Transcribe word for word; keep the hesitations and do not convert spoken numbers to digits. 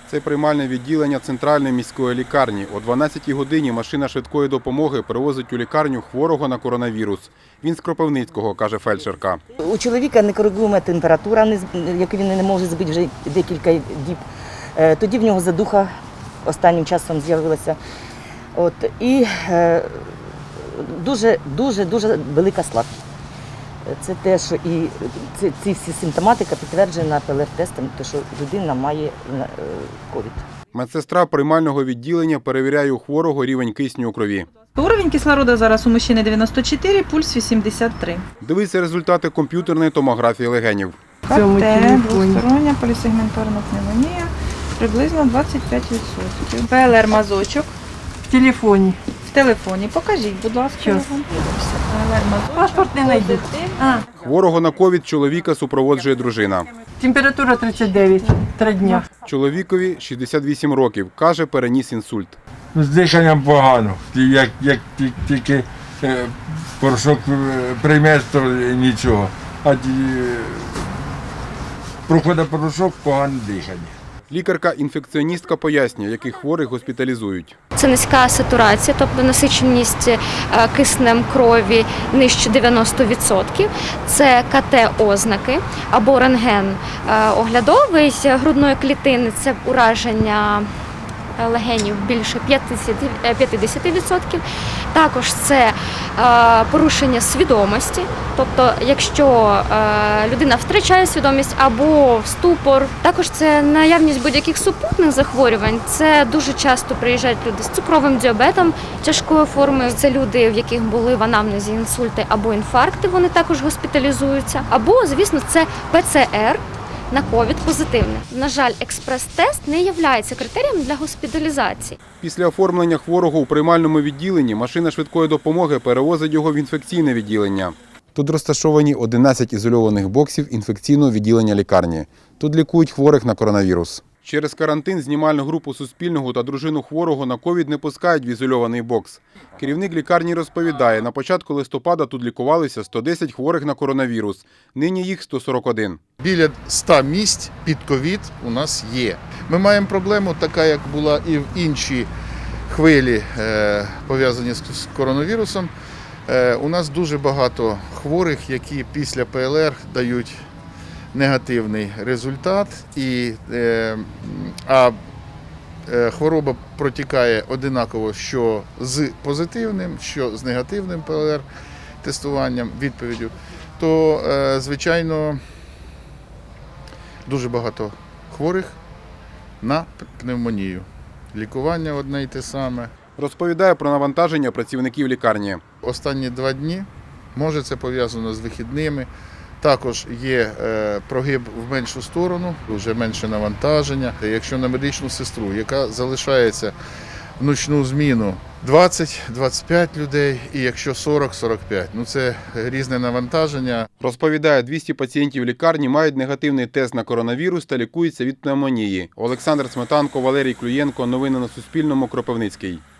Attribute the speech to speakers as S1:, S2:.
S1: Це приймальне відділення центральної міської лікарні. О дванадцятій годині машина швидкої допомоги привозить у лікарню хворого на коронавірус. Він з Кропивницького, каже фельдшерка.
S2: У чоловіка некоригуема температура, яку він не може збити вже декілька діб. Тоді в нього задуха останнім часом з'явилася. От, і дуже, дуже, дуже велика слабкість. Це те, що і ці, ці всі симптоматика підтверджена пе ел ер-тестом, те, що людина має ковід.
S1: Медсестра приймального відділення перевіряє у хворого рівень кисню у крові.
S3: Уровень кислорода зараз у мужчини дев'яносто чотири, пульс вісімдесят три.
S1: Дивиться результати комп'ютерної томографії легенів.
S3: ка те, двостороння полісегментарна пневмонія, приблизно двадцять п'ять відсотків. пе ел ер-мазочок.
S4: В телефоні.
S3: В телефоні. Покажіть, будь ласка.
S4: Щас.
S3: пе ел ер-мазочок.
S4: Паспорт не знайду. А,
S1: Хворого на ковід чоловіка супроводжує дружина.
S4: температура тридцять дев'ять, три дня.
S1: Чоловікові шістдесят вісім років, каже, переніс інсульт.
S5: З диханням погано. Як, як тільки е, порошок приймеш, то нічого. А ті, проходить порошок, погане дихання.
S1: Лікарка-інфекціоністка пояснює, яких хворих госпіталізують.
S6: Це низька сатурація, тобто насиченість киснем крові нижче дев'яноста відсотків. Це ка те-ознаки або рентген оглядовий грудної клітини, це ураження легенів більше п'ятдесят відсотків. Також це порушення свідомості, тобто якщо людина втрачає свідомість або ступор. Також це наявність будь-яких супутних захворювань. Це дуже часто приїжджають люди з цукровим діабетом тяжкою формою. Це люди, в яких були в анамнезі інсульти або інфаркти, вони також госпіталізуються. Або, звісно, це пе це ер. На ковід позитивне. На жаль, експрес-тест не є критерієм для госпіталізації.
S1: Після оформлення хворого у приймальному відділенні машина швидкої допомоги перевозить його в інфекційне відділення. Тут розташовані одинадцять ізольованих боксів інфекційного відділення лікарні. Тут лікують хворих на коронавірус. Через карантин знімальну групу Суспільного та дружину хворого на ковід не пускають в ізольований бокс. Керівник лікарні розповідає, на початку листопада тут лікувалися сто десять хворих на коронавірус. Нині їх сто сорок один.
S7: Біля ста місць під ковід у нас є. Ми маємо проблему, така як була і в інші хвилі, пов'язані з коронавірусом. У нас дуже багато хворих, які після пе ел ер дають негативний результат, і, а хвороба протікає одинаково що з позитивним, що з негативним пе ел ер-тестуванням, відповіддю, то, звичайно, дуже багато хворих на пневмонію. Лікування одне й те саме.
S1: Розповідає про навантаження працівників лікарні.
S7: Останні два дні, може це пов'язано з вихідними, також є прогиб в меншу сторону, вже менше навантаження. Якщо на медичну сестру, яка залишається в нічну зміну двадцять - двадцять п'ять людей, і якщо сорок - сорок п'ять, ну це різне навантаження.
S1: Розповідає, двісті пацієнтів лікарні мають негативний тест на коронавірус та лікуються від пневмонії. Олександр Сметанко, Валерій Клюєнко. Новини на Суспільному. Кропивницький.